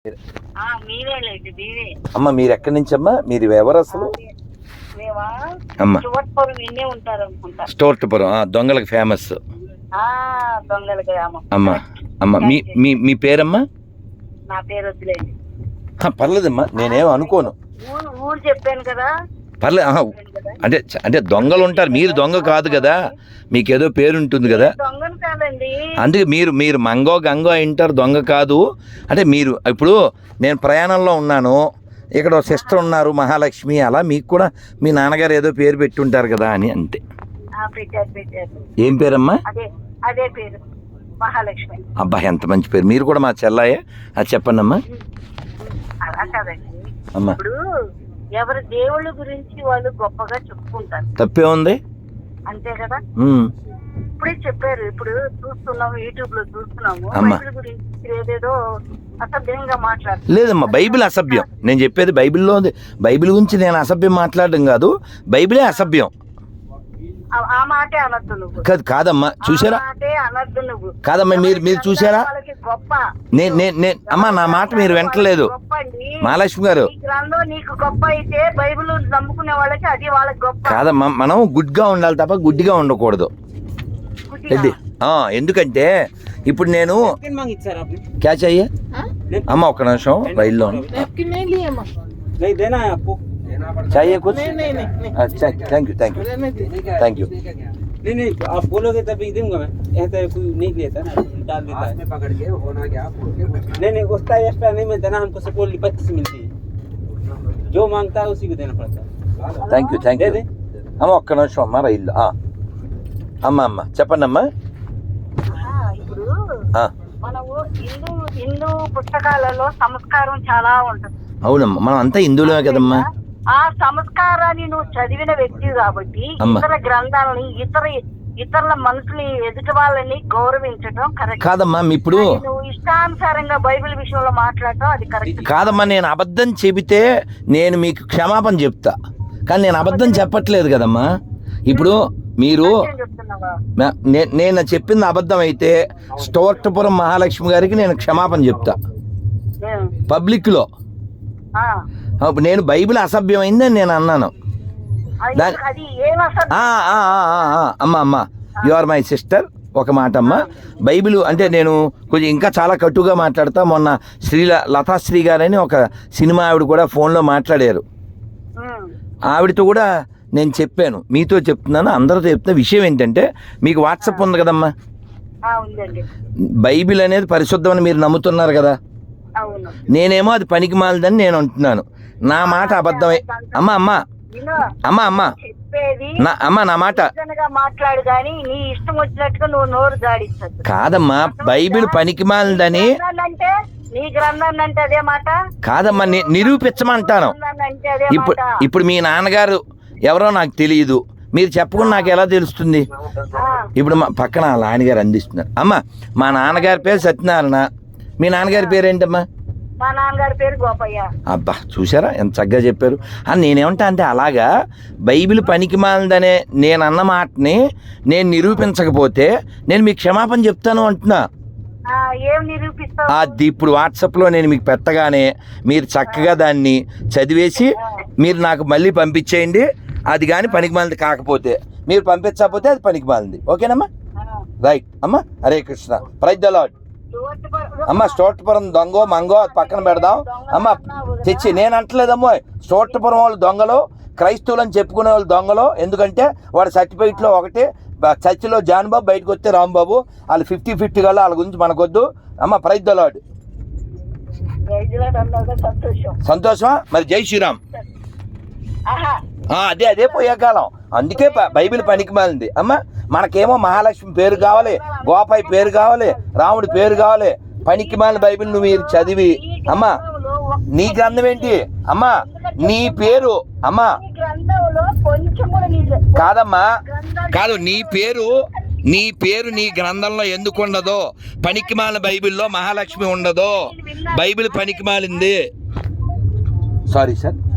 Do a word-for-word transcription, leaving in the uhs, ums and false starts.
అమ్మ మీరు ఎక్కడి నుంచి అమ్మా? మీరు ఎవరు అసలు? అమ్మ స్టోర్టపురం దొంగలకు ఫేమస్. అమ్మ అమ్మ మీ మీ మీ పేరమ్మా? నా పేరు వద్దులేండి. పర్లేదమ్మా, నేనేం అనుకోను. ఊరు చెప్పాను కదా. పర్లేదు. అంటే అంటే దొంగలు ఉంటారు, మీరు దొంగ కాదు కదా, మీకేదో పేరు ఉంటుంది కదా. దొంగను కాదండి. అందుకే మీరు మీరు మంగో గంగో ఇంటారు, దొంగ కాదు. అంటే మీరు ఇప్పుడు నేను ప్రయాణంలో ఉన్నాను, ఇక్కడ ఒక సిస్టర్ ఉన్నారు మహాలక్ష్మి, అలా మీకు కూడా మీ నాన్నగారు ఏదో పేరు పెట్టుంటారు కదా అని అంతే. ఏం పేరమ్మా? అదే అదే పేరు మహాలక్ష్మి. అబ్బా ఎంత మంచి పేరు. మీరు కూడా మా చెల్లాయే, అది చెప్పండి అమ్మా. అలా కాదండి అమ్మా. ఇప్పుడు ఎవరి దేవుళ్ళ గురించి వాళ్ళు గొప్పగా చెప్పుకుంటారు, తప్పే ఉంది అంతే కదా. ఉమ్. ఇప్పుడే చెప్పారు, ఇప్పుడు చూస్తున్నాము యూట్యూబ్ లో చూస్తున్నాము, అమ్మా. బైబిల్ గురించి ఏదేదో అసభ్యంగా మాట్లాడు. లేదమ్మా, బైబిల్ అసభ్యం. నేను చెప్పేది బైబిల్లో ఉంది. బైబిల్ గురించి నేను అసభ్యం మాట్లాడడం కాదు, బైబిలే అసభ్యం. ఆ మాటే అనొద్దు నువ్వు. కాదు కాదమ్మా, చూసారా? అనొద్దు నువ్వు. కాదమ్మా, మీరు మీరు చూసారా? గొప్ప నేను నేను అమ్మా, నా మాట మీరు వింటలేదు మహాలక్ష్మి గారు. గ్రంథం నీకు గొప్ప అయితే బైబిల్ నమ్ముకునే వాళ్ళకి అది వాళ్ళకి గొప్ప. కాదమ్మా, మనం గుడ్గా ఉండాలి తప్ప గుడ్డిగా ఉండకూడదు. ఎందుకంటే ఇప్పుడు నేను క్యాచ్ అయ్యే అమ్మ ఒక్క నిమిషం రైల్లో चाहिए कुछ? अच्छा thank you thank you thank you. नहीं नहीं आप बोलोगे तभी दूंगा मैं, ऐसा कोई नहीं लेता ना, डाल देता है पकड़ के होना क्या। नहीं नहीं उसका एक्स्ट्रा नहीं मिलता ना, हमको सपोर्ट पच्चीस मिलती है, जो मांगता है उसी को देना पड़ता है। థ్యాంక్ యూ థ్యాంక్ యూ అమ్మ ఒక్క నిమిషం అమ్మ రైల్లో అమ్మ అమ్మ చెప్పండి అమ్మా. ఇప్పుడు మనము హిందూ హిందూ పుస్తకాలలో సంస్కారం చాలా ఉంటుంది. అవునమ్మా, మనం అంతా హిందువులమే కదమ్మా. ఆ సంస్కారాన్ని నువ్వు చదివిన వ్యక్తి కాబట్టి ఇతర గ్రంథాలని ఇతర ఇతరుల మనుషులు ఎదుటి వాళ్ళని గౌరవించడం కరెక్ట్ కాదమ్మా. ఇప్పుడు నువ్వు ఇష్టానుసారంగా బైబిల్ విషయంలో మాట్లాడటం అది కరెక్ట్ కాదమ్మా. నేను అబద్ధం చెబితే నేను మీకు క్షమాపణ చెప్తా, కానీ నేను అబద్ధం చెప్పట్లేదు కదమ్మా. ఇప్పుడు మీరు నేను చెప్పింది అబద్ధం అయితే స్టోర్టపురం మహాలక్ష్మి గారికి నేను క్షమాపణ చెప్తా పబ్లిక్ లో. నేను బైబిల్ అసభ్యమైందని నేను అన్నాను. అమ్మ అమ్మ యు ఆర్ మై సిస్టర్, ఒక మాట అమ్మ. బైబిల్ అంటే నేను కొంచెం ఇంకా చాలా కట్టుగా మాట్లాడతా. మొన్న శ్రీ లతాశ్రీ గారని ఒక సినిమా ఆవిడ కూడా ఫోన్లో మాట్లాడారు, ఆవిడతో కూడా నేను చెప్పాను, మీతో చెప్తున్నాను, అందరితో చెప్తున్న విషయం ఏంటంటే, మీకు వాట్సాప్ ఉంది కదమ్మా, బైబిల్ అనేది పరిశుద్ధమని మీరు నమ్ముతున్నారు కదా, నేనేమో అది పనికి మాలదని నేను అంటున్నాను. నా మాట అబద్ధమే అమ్మ అమ్మ అమ్మ అమ్మ నా అమ్మ నా మాట మాట్లాడు కానీ నీ ఇష్టం వచ్చినట్టుగా నువ్వు నోరు జాడించదు. కాదమ్మా, బైబిల్ పనికి మాలదని నీ గ్రంథాన్ని అంటే అదే మాట కాదమ్మా, నిరూపించమంటాను. ఇప్పుడు ఇప్పుడు మీ నాన్నగారు ఎవరో నాకు తెలియదు, మీరు చెప్పకుండా నాకు ఎలా తెలుస్తుంది? ఇప్పుడు మా పక్కన వాళ్ళ నాన్నగారు అందిస్తున్నారు. అమ్మ మా నాన్నగారి పేరు సత్యనారాయణ, మీ నాన్నగారి పేరు ఏంటమ్మా? మా నాన్నగారి పేరు గోపయ్య. అబ్బా చూసారా ఎంత చక్కగా చెప్పారు. అని నేనేమంటా అంటే, అలాగా బైబిల్ పనికి మాలదనే నేను అన్న మాటని నేను నిరూపించకపోతే నేను మీకు క్షమాపణ చెప్తాను అంటున్నా. అది ఇప్పుడు వాట్సాప్లో నేను మీకు పెట్టగానే మీరు చక్కగా దాన్ని చదివేసి మీరు నాకు మళ్ళీ పంపించేయండి. అది కానీ పనికి మాలింది కాకపోతే, మీరు పంపించకపోతే అది పనికి మాలింది. ఓకేనమ్మా? రైట్ అమ్మా. Hare Krishna. Praise the lord. అమ్మ స్టోర్టపురం దొంగో మంగో పక్కన పెడదాం అమ్మ, తెచ్చి నేను అంటలేదమ్మో. స్టోర్టపురం వాళ్ళు దొంగలు, క్రైస్తవులు అని చెప్పుకునే వాళ్ళు దొంగలు. ఎందుకంటే వాడు సర్టిఫికెట్లో ఒకటి, చర్చిలో జాన్ బాబు, బయటకు వస్తే రాంబాబు. వాళ్ళు ఫిఫ్టీ ఫిఫ్టీ కల్లా వాళ్ళ గురించి మనకొద్దు అమ్మ. Praise the lord. సంతోషమా? మరి జై శ్రీరామ్. అదే అదే పోయే కాలం, అందుకే బైబిల్ పనికి మాలింది అమ్మ. మనకేమో మహాలక్ష్మి పేరు కావాలి, గోపాయి పేరు కావాలి, రాముడి పేరు కావాలి. పనికి మాలిన బైబిల్ నువ్వు మీరు చదివి అమ్మ, నీ గ్రంథం ఏంటి అమ్మా? నీ పేరు అమ్మా కాదమ్మా, కాదు నీ పేరు, నీ పేరు నీ గ్రంథంలో ఎందుకు ఉండదో? పనికి మాలిన బైబిల్లో మహాలక్ష్మి ఉండదో? బైబిల్ పనికి మాలింది. Sorry sir.